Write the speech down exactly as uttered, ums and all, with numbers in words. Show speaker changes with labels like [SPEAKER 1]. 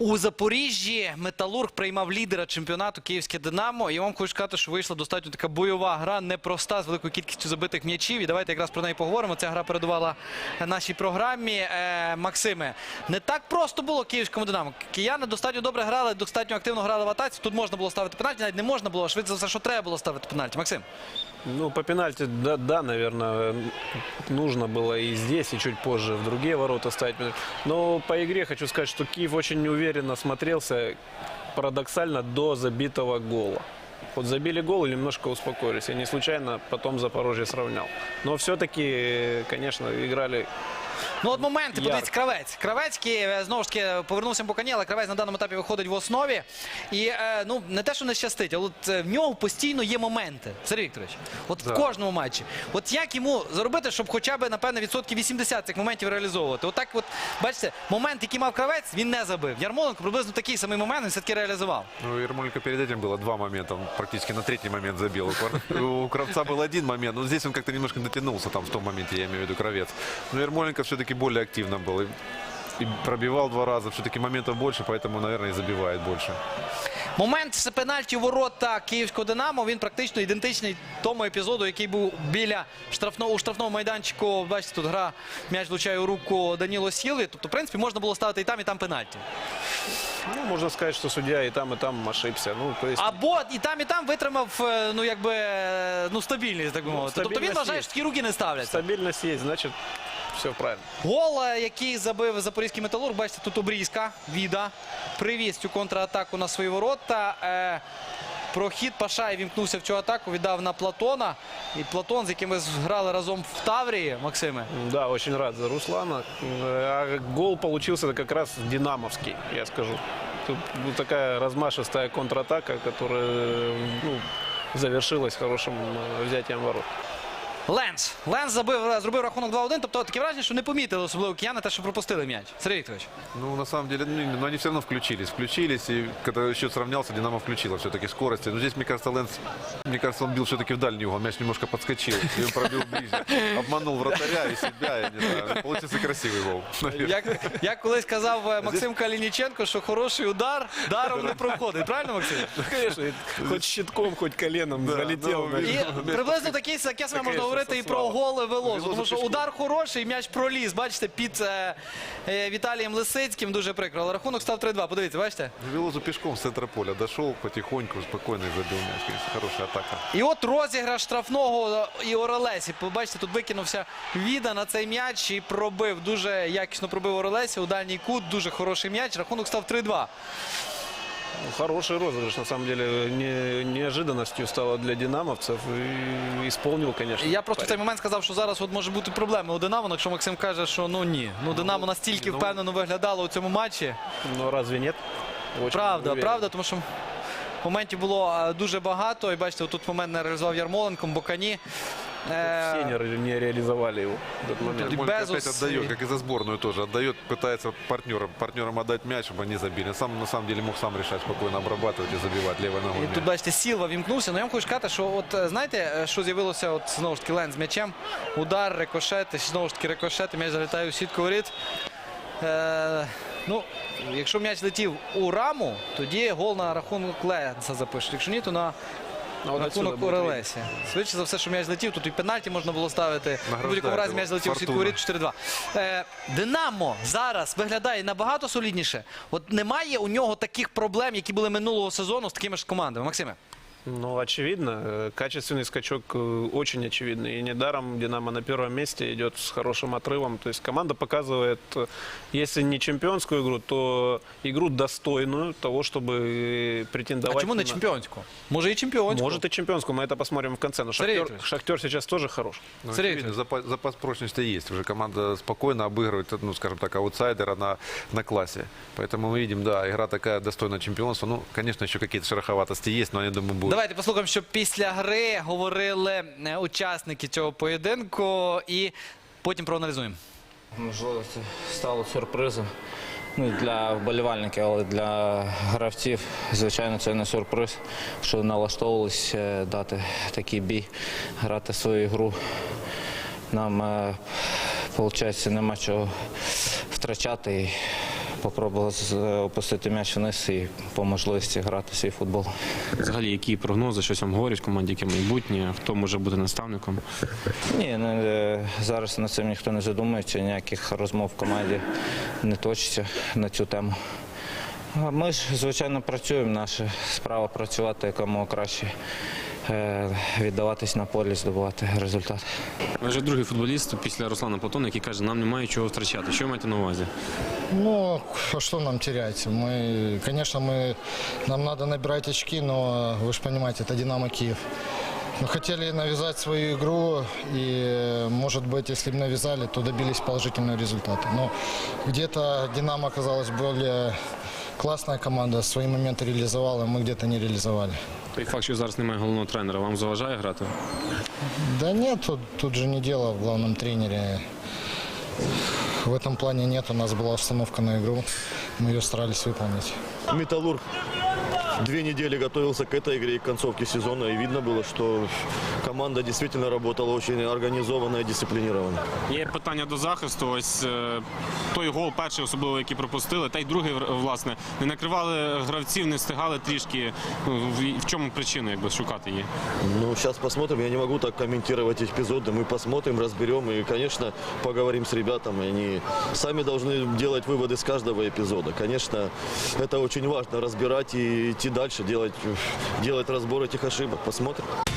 [SPEAKER 1] У Запоріжжі Металург приймав лідера чемпіонату Київське Динамо. І я вам хочу сказати, що вийшла достатньо така бойова гра, непроста, з великою кількістю забитих м'ячів. І давайте якраз про неї поговоримо. Ця гра передувала нашій програмі. Е, Максиме, не так просто було Київському Динамо. Кияни достатньо добре грали, достатньо активно грали в атаці. Тут можна було ставити пенальті, навіть не можна було. Швидше за все, що треба було ставити пенальті. Максим?
[SPEAKER 2] Ну, по пенальти, да, да, наверное, нужно было и здесь, и чуть позже в другие ворота ставить. Но по игре хочу сказать, что Киев очень неуверенно смотрелся, парадоксально, до забитого гола. Вот забили гол и немножко успокоились. И не случайно потом Запорожье сравнял. Но все-таки, конечно, играли...
[SPEAKER 1] Ну, от моменти,
[SPEAKER 2] Ярк.
[SPEAKER 1] подивіться, Кравець. Кравецький, знову ж таки, повернувся по коні, але Кравець на даному етапі виходить в основі. І, е, ну, не те, що не щастить, але от, е, в нього постійно є моменти, Сергій Вікторович. От
[SPEAKER 2] Да.
[SPEAKER 1] в кожному матчі. От як йому зробити, щоб хоча б, напевне, відсотків вісімдесят цих моментів реалізовувати? От так от, бачите, момент, який мав Кравець, він не забив. Ярмоленко приблизно такий самий момент він все-таки реалізував.
[SPEAKER 3] Ну, Ярмоленко перед этим было два момента. Он практически на третий момент забил. У Квар- У Кравца был один момент. Но здесь он как-то немножко дотянулся там в том моменте, я имею в виду Кравец. Но Ярмоленко все-таки более активно был. И, и пробивал два раза. Все-таки моментов больше, поэтому, наверное, и забивает больше.
[SPEAKER 1] Момент з пенальті у ворота Київського Динамо, він практично ідентичний тому епізоду, який був біля штрафного, у штрафному майданчику. Бачите, тут гра, м'яч влучає у руку Даніло Сілві. Тобто, в принципі, можна було ставити і там, і там пенальті.
[SPEAKER 2] Ну, можно сказать, что судья и там, и там ошибся. Ну, то есть...
[SPEAKER 1] Або і там, і там витримав, е, ну, якби, е, ну, стабільність, так би мовити. Тобто він
[SPEAKER 2] стабільність
[SPEAKER 1] вважає,
[SPEAKER 2] є.
[SPEAKER 1] що такі руки не ставляться.
[SPEAKER 2] Стабильность есть, значит, все правильно.
[SPEAKER 1] Гол, е, який забив запорізький Металург, бачите, тут Обрізька, Віда, привіз цю контратаку на свої ворота. Е, Прохід Пашай вімкнувся в цю атаку, віддав на Платона. І Платон, з яким ми грали разом в Таврії, Максиме.
[SPEAKER 2] Да, очень рад за Руслана. А гол получился как раз динамовский, я скажу. Тут ну, такая размашистая контратака, которая ну, завершилась хорошим э, взятием ворот.
[SPEAKER 1] Ленс. Ленс забив, зробив рахунок два-один. Тобто таке враження, що не помітили особливо кияни те, що пропустили м'яч. Сергій Вікторович.
[SPEAKER 3] Ну, на самом деле, ну, но они все равно включились. Включились, и когда счет сравнялся, Динамо включила все-таки скорости. Но здесь, мне кажется, Лэнс, мне кажется, он бил все-таки в дальний угол. Мяч немножко подскочил, и он пробил ближе. Обманул вратаря и себя, я не знаю. Получился красивый гол.
[SPEAKER 1] Як, як колись казав е, Максим Калініченко, що хороший удар даром не проходить. Правильно, Максим?
[SPEAKER 2] Конечно, хоть щитком, хоть коленом
[SPEAKER 3] Да,
[SPEAKER 2] залетел.
[SPEAKER 3] ну,
[SPEAKER 1] І приблизно таке, таке саме можна говорити і про голи Велозу.
[SPEAKER 3] Велозу
[SPEAKER 1] Тому що
[SPEAKER 3] пішов.
[SPEAKER 1] удар хороший, м'яч проліз. Бачите, під е, е, Віталієм Лисицьким дуже прикро. Але рахунок став три-два. Подивіться, бачите?
[SPEAKER 3] Велозу пешком с центра поля дошел потихоньку, спокойно и забил мяч. Конечно, хорошая атака.
[SPEAKER 1] І от розіграш штрафного і Орелесі. Побачите, тут викинувся Віда на цей м'яч і пробив. Дуже якісно пробив Орелесі у дальній кут. Дуже хороший м'яч. Рахунок став три-два.
[SPEAKER 2] Хороший розыгрыш, на самом деле, не, неожиданностью стало для динамовцев. И исполнил, конечно.
[SPEAKER 1] Я просто в цей
[SPEAKER 2] парень.
[SPEAKER 1] момент сказав, що зараз от може бути проблеми у Динамо, якщо Максим каже, що ну ні. Ну Динамо настільки
[SPEAKER 3] ну,
[SPEAKER 1] впевнено виглядало у цьому матчі.
[SPEAKER 2] Но разве нет? Очень
[SPEAKER 1] Правда,
[SPEAKER 2] уверен.
[SPEAKER 1] правда, тому що моментів було е, дуже багато. І бачите, тут момент не реалізував Ярмоленко, Бокані. Е,
[SPEAKER 2] Все не, не реализовали его в этот момент.
[SPEAKER 3] Ярмоленко
[SPEAKER 1] Безус
[SPEAKER 3] опять отдает,
[SPEAKER 1] и-
[SPEAKER 3] как и за сборную тоже. Отдает, пытается партнерам, партнерам отдать мяч, чтобы они забили. Сам, на самом деле, мог сам решать, спокойно обрабатывать и забивать левой ногой.
[SPEAKER 1] І
[SPEAKER 3] мяч.
[SPEAKER 1] тут, бачите, Сілва вімкнувся. Ну, я вам хочу сказати, що от, е, знаєте, е, що з'явилося, от, знову ж таки, Ленс з м'ячем. Удар, рикошет, і знову ж таки рикошет, і м'яч залітає у сітку воріт. Е, ну, якщо м'яч летів у раму, тоді гол на рахунок Ленса запишуть. Якщо ні, то на
[SPEAKER 2] А вот отсюда
[SPEAKER 1] рахунок
[SPEAKER 2] будет
[SPEAKER 1] Орелесі. Швидше за все, що м'яч летів, тут і пенальті можна було ставити. В будь-якому разі м'яч залетів у сітку воріт чотири-два. Е, Динамо зараз виглядає набагато солідніше. От немає у нього таких проблем, які були минулого сезону з такими ж командами. Максиме.
[SPEAKER 2] Ну, очевидно, э, качественный скачок э, очень очевидный. И недаром Динамо на первом месте идет с хорошим отрывом. То есть команда показывает, э, если не чемпионскую игру, то игру достойную того, чтобы э, претендовать.
[SPEAKER 1] А чому не
[SPEAKER 2] на-
[SPEAKER 1] чемпіонську? Може і чемпіонську.
[SPEAKER 2] Может и чемпионскую, мы это посмотрим в конце. Но
[SPEAKER 1] Сергей
[SPEAKER 2] Шахтер,
[SPEAKER 1] Викторович.
[SPEAKER 2] Шахтер сейчас тоже хорош.
[SPEAKER 3] Ну,
[SPEAKER 1] Сергей
[SPEAKER 3] очевидно, запас, запас прочности есть. Уже команда спокойно обыгрывает, ну, скажем так, аутсайдера на, на классе. Поэтому мы видим, да, игра такая достойная чемпионства. Ну, конечно, еще какие-то шероховатости есть, но я думаю, будет.
[SPEAKER 1] Давайте послухаємо, що після гри говорили е, учасники цього поєдинку і потім проаналізуємо.
[SPEAKER 4] Можливо, це стало сюрпризом. Ну, для вболівальників, але для гравців, звичайно, це не сюрприз, що налаштовувалися е, дати такий бій, грати свою гру. Нам, виходить, нема чого втрачати. І спробували з- опустити м'яч вниз і по можливості грати свій футбол.
[SPEAKER 5] Взагалі, які прогнози, щось вам говорять в команді, яке майбутнє, хто може бути наставником?
[SPEAKER 4] Ні, не, е, зараз над цим ніхто не задумується, ніяких розмов в команді не точиться на цю тему. А ми ж, звичайно, працюємо. Наша справа працювати якомога краще, е, віддаватись на полі, здобувати результат.
[SPEAKER 5] Ви вже другий футболіст після Руслана Платона, який каже, нам немає чого втрачати. Що ви маєте на увазі?
[SPEAKER 6] Ну, а что нам терять? Мы, конечно, мы, нам надо набирать очки, но вы же понимаете, это «Динамо» Киев. Мы хотели навязать свою игру, и, может быть, если бы навязали, то добились положительного результата. Но где-то «Динамо» оказалась более классная команда, свои моменты реализовала, мы где-то не реализовали.
[SPEAKER 5] Той факт, що зараз немає головного тренера, вам заважає грати?
[SPEAKER 6] Да нет, тут, тут же не дело в главном тренере. В этом плане нет, у нас была установка на игру, мы ее старались выполнить.
[SPEAKER 7] «Металлург» две недели готовился к этой игре и к концовке сезона, и видно было, что команда действительно работала очень организованно и дисциплинированно.
[SPEAKER 5] Є питання до захисту. Ось е, той гол, перший особливо, який пропустили, та й другий, власне, не накривали гравців, не встигали трішки. Ну, в, в чому причина, якби шукати її?
[SPEAKER 7] Ну, сейчас посмотрим, я не могу так комментировать эпизоды, мы посмотрим, разберем и, конечно, поговорим с ребятами. Они сами должны делать выводы с каждого эпизода. Конечно, это очень важно, разбирать и идти дальше, делать, делать разбор этих ошибок. Посмотрим.